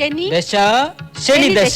ദശ ശനി ദശ.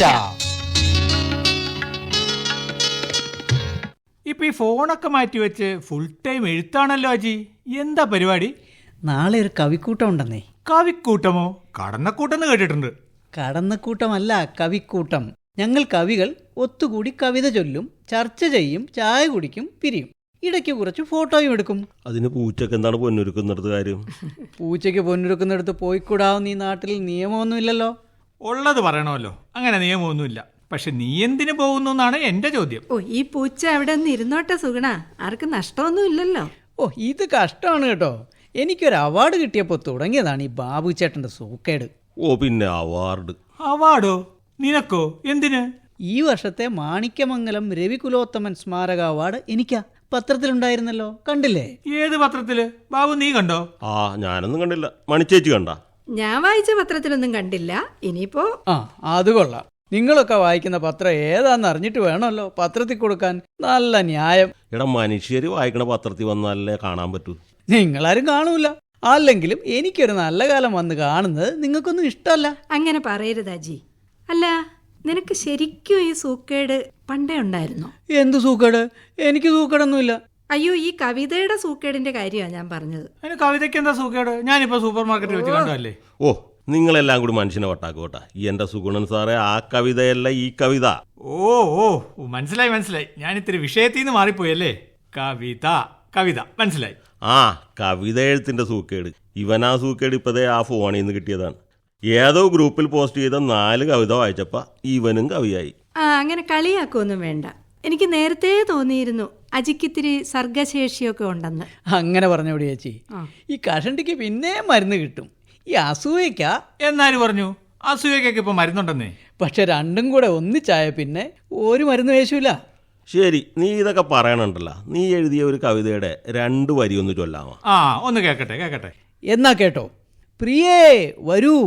ഇപ്പൊ ഈ ഫോണൊക്കെ മാറ്റി വെച്ച് ഫുൾ ടൈം എഴുത്താണല്ലോ അജി. എന്താ പരിപാടി? നാളെ ഒരു കവിക്കൂട്ടം ഉണ്ടെന്നേ. കവിക്കൂട്ടമോ? കടന്നക്കൂട്ടെന്ന് കേട്ടിട്ടുണ്ട്. കടന്നക്കൂട്ടമല്ല, കവിക്കൂട്ടം. ഞങ്ങൾ കവികൾ ഒത്തുകൂടി കവിത ചൊല്ലും, ചർച്ച ചെയ്യും, ചായ കുടിക്കും, പിരിയും. ഇടയ്ക്ക് കുറച്ച് ഫോട്ടോയും എടുക്കും. അതിന് പൂച്ചക്ക് എന്താണ് പൊന്നൊരുക്കുന്നിടത്ത് കാര്യം? പൂച്ചയ്ക്ക് പൊന്നൊരുക്കുന്നിടത്ത് പോയിക്കൂടാവുന്ന ഈ നാട്ടിൽ നിയമമൊന്നുമില്ലല്ലോ. ഉള്ളത് പറയണമല്ലോ, അങ്ങനെ നിയമമൊന്നുമില്ല. പക്ഷെ നീ എന്തിനു പോകുന്നു എന്നാണ് എന്റെ ചോദ്യം. ഓ, ഈ പൂച്ച അവിടെ നിന്ന് ഇരുന്നോട്ടെ സുഗുണ, ആർക്കും നഷ്ടമൊന്നും ഇല്ലല്ലോ. ഓ, ഇത് കഷ്ടമാണ് കേട്ടോ. എനിക്കൊരു അവാർഡ് കിട്ടിയപ്പോൾ തുടങ്ങിയതാണ് ഈ ബാബു ചേട്ടൻ്റെ സൂക്കേട്. ഓ, പിന്നെ അവാർഡ്? അവാർഡോ? നിനക്കോ? എന്തിന്? ഈ വർഷത്തെ മാണിക്യമംഗലം രവികുലോത്തമൻ സ്മാരക അവാർഡ് എനിക്കാ. പത്രത്തിലുണ്ടായിരുന്നല്ലോ, കണ്ടില്ലേ? ഏത് പത്രത്തില്? ബാബു നീ കണ്ടോ? ആ, ഞാനൊന്നും കണ്ടില്ല. മണിച്ചേച്ചി കണ്ട? ഞാൻ വായിച്ച പത്രത്തിലൊന്നും കണ്ടില്ല. ഇനിയിപ്പോ അത് കൊള്ളാം. നിങ്ങളൊക്കെ വായിക്കുന്ന പത്രം ഏതാന്ന് അറിഞ്ഞിട്ട് വേണമല്ലോ പത്രത്തിൽ കൊടുക്കാൻ. നല്ല ന്യായം. എടാ, മനുഷ്യര് വായിക്കണ പത്രത്തിൽ വന്നാലേ കാണാൻ പറ്റൂ. നിങ്ങളാരും കാണൂല. അല്ലെങ്കിലും എനിക്കൊരു നല്ല കാലം വന്ന് കാണുന്നത് നിങ്ങൾക്കൊന്നും ഇഷ്ടമല്ല. അങ്ങനെ പറയരുത് അജി. അല്ല, നിനക്ക് ശരിക്കും ഈ സൂക്കേട് പണ്ടേ ഉണ്ടായിരുന്നോ? എന്ത് സൂക്കേട്? എനിക്ക് സൂക്കേടൊന്നുമില്ല. അയ്യോ, ഈ കവിതയുടെ സൂക്കേടിന്റെ കാര്യമാണ് ഞാൻ പറഞ്ഞത്. അതിന് കവിതയ്ക്ക് എന്താ സൂക്കേട്? ഞാനിപ്പോ സൂപ്പർ മാർക്കറ്റിൽ വെച്ച് കണ്ടല്ലേ. ഓ, നിങ്ങളെല്ലാം കൂടി മനുഷ്യനെ വട്ടാക്കോട്ടാ. എന്റെ സുഗുണൻ സാറേ, ആ കവിതയല്ല ഈ കവിത. ഓ ഓ മനസ്സിലായി മനസ്സിലായി. ഞാൻ ഇത്തിരി വിഷയത്തിൽ നിന്ന് മാറിപ്പോയല്ലേ. കവിത കവിത മനസ്സിലായി. ആ, കവിത എഴുത്തിന്റെ സൂക്കേട്. ഇവനാ സൂക്കേട് ഇപ്പതേ ആ ഫോണിൽ നിന്ന് കിട്ടിയതാണ്. ഏതോ ഗ്രൂപ്പിൽ പോസ്റ്റ് ചെയ്ത 4 കവിത വായിച്ചപ്പ ഇവനും കവിയായി. അങ്ങനെ കളിയാക്കൊന്നും വേണ്ട. എനിക്ക് നേരത്തെ തോന്നിയിരുന്നു അജിക്കിത്തിരി സർഗശേഷിയൊക്കെ ഉണ്ടെന്ന്. അങ്ങനെ പറഞ്ഞോടി ചേച്ചി. ഈ കഷണ്ടിക്ക് പിന്നെ മരുന്ന് കിട്ടും. ഈ അസൂയക്കാ. എന്നാര് പറഞ്ഞു? അസൂയക്കൊക്കെ ഇപ്പൊ മരുന്നുണ്ടെന്നേ. പക്ഷെ രണ്ടും കൂടെ ഒന്നിച്ചായ പിന്നെ ഒരു മരുന്ന് വേശൂല. ശരി, നീ ഇതൊക്കെ പറയണുണ്ടല്ലോ. നീ എഴുതിയ ഒരു കവിതയുടെ 2 വരി ഒന്ന് ചൊല്ലാമോ? ആ, ഒന്ന് കേക്കട്ടെ കേക്കട്ടെ. എന്നാ കേട്ടോ. പ്രിയേ വരൂ,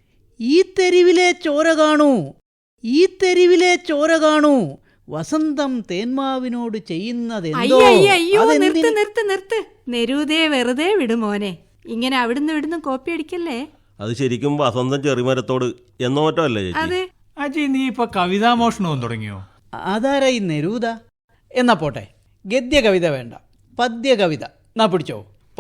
ഈ തെരുവിലെ ചോര കാണൂ, ഈ തെരുവിലെ ചോര കാണൂ, വസന്തം തേന്മാവിനോട് ചെയ്യുന്നതെന്തോ. അയ്യോ, നിർത്ത്. നെരൂതേ വെറുതെ വിടുമോനെ. ഇങ്ങനെ അവിടുന്ന് ഇവിടുന്ന് കോപ്പി അടിക്കല്ലേ. അത് ശരിക്കും വസന്തം ചെറിമരത്തോട് എന്നോ മറ്റോ അല്ലേ ചേച്ചി? അതെ. അജി, നീ ഇപ്പൊ കവിതാമോഷണവും തുടങ്ങിയോ? അതാരാ ഈ നെരൂത? എന്നാ പോട്ടെ, ഗദ്യ കവിത വേണ്ട, പദ്യ കവിത. എന്നാ പിടിച്ചോ.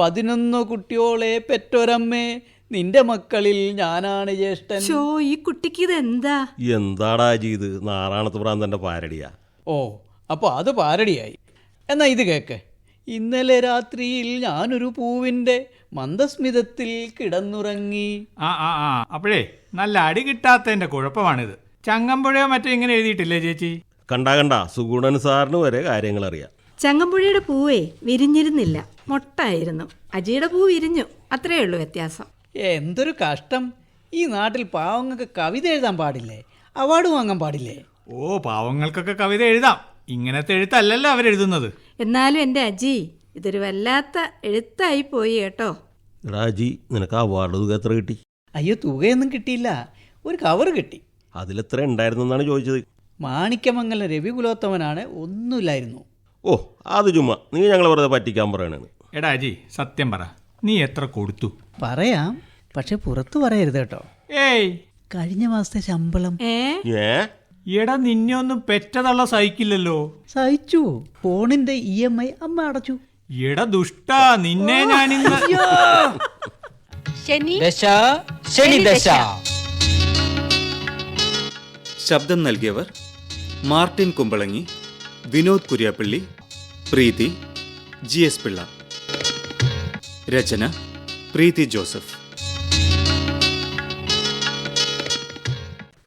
11 കുട്ടിയോളെ പെറ്റൊരമ്മേ, നിന്റെ മക്കളിൽ ഞാനാണ് ജ്യേഷ്ഠൻ. ഈ കുട്ടിക്ക് ഇത് എന്താടാ അജി ഇത്? നാറാണത്ത് പ്രാന്തന്റെ പാരടിയാ. ഓ, അപ്പോൾ അത് പാരടിയായി. എന്നാ ഇത് കേക്ക്. ഇന്നലെ രാത്രിയിൽ ഞാനൊരു പൂവിൻ്റെ മന്ദസ്മിതത്തിൽ കിടന്നുറങ്ങി. അപ്പോഴേ നല്ല അടി കിട്ടാത്തതിന്റെ കുഴപ്പമാണിത്. ചങ്ങമ്പുഴയോ മറ്റോ ഇങ്ങനെ എഴുതിയിട്ടില്ലേ ചേച്ചി? കണ്ട സുഗുണൻ സാറിന് വരെ കാര്യങ്ങൾ അറിയാം. ചങ്ങമ്പുഴയുടെ പൂവേ വിരിഞ്ഞിരുന്നില്ല, മൊട്ടായിരുന്നു. അജിയുടെ പൂ വിരിഞ്ഞു, അത്രേ ഉള്ളൂ വ്യത്യാസം. എന്തൊരു കഷ്ടം. ഈ നാട്ടിൽ പാവങ്ങൾക്ക് കവിത എഴുതാൻ പാടില്ലേ? അവാർഡ് വാങ്ങാൻ പാടില്ലേ? ഓ, പാവങ്ങൾക്കൊക്കെ കവിത എഴുതാം. ഇങ്ങനത്തെ എഴുത്തല്ലല്ലോ അവരെഴുതുന്നത്. എന്നാലും എൻ്റെ അജി, ഇതൊരു വല്ലാത്ത എഴുത്തായി പോയി കേട്ടോ. എടാ അജി, നിനക്ക് അവാർഡ് തുക എത്ര കിട്ടി? അയ്യോ, തുകയൊന്നും കിട്ടിയില്ല, ഒരു കവർ കിട്ടി. അതിലെത്ര ഉണ്ടായിരുന്നെന്നാണ് ചോദിച്ചത്. മാണിക്യമംഗലം രവികുലോത്തമനാണ്, ഒന്നുമില്ലായിരുന്നു. ഓ, അത് ചുമ്മാ നീ ഞങ്ങളെ വെറുതെ പറ്റിക്കാൻ പറയണേന്ന്. എടാ അജി, സത്യം പറ, നീ എത്ര കൊടുത്തു? പറയാം, പക്ഷെ പുറത്തു പറയരുത് കേട്ടോ. ഏയ്, കഴിഞ്ഞ മാസത്തെ ശമ്പളം. എടാ, നിന്നെ ഒന്നും പെറ്റതള്ള സഹിക്കില്ലല്ലോ. സഹിച്ചു. ഫോണിന്റെ EMI അമ്മ അടച്ചു. എടാ ദുഷ്ടാ, നിന്നെ ഞാനിന്ന്. ദശ ശനി ദശ. ശബ്ദം നൽകിയവർ മാർട്ടിൻ കുമ്പളങ്ങി, വിനോദ് കുര്യാപ്പള്ളി, പ്രീതി, GS പിള്ള. രചന പ്രീതി ജോസഫ്.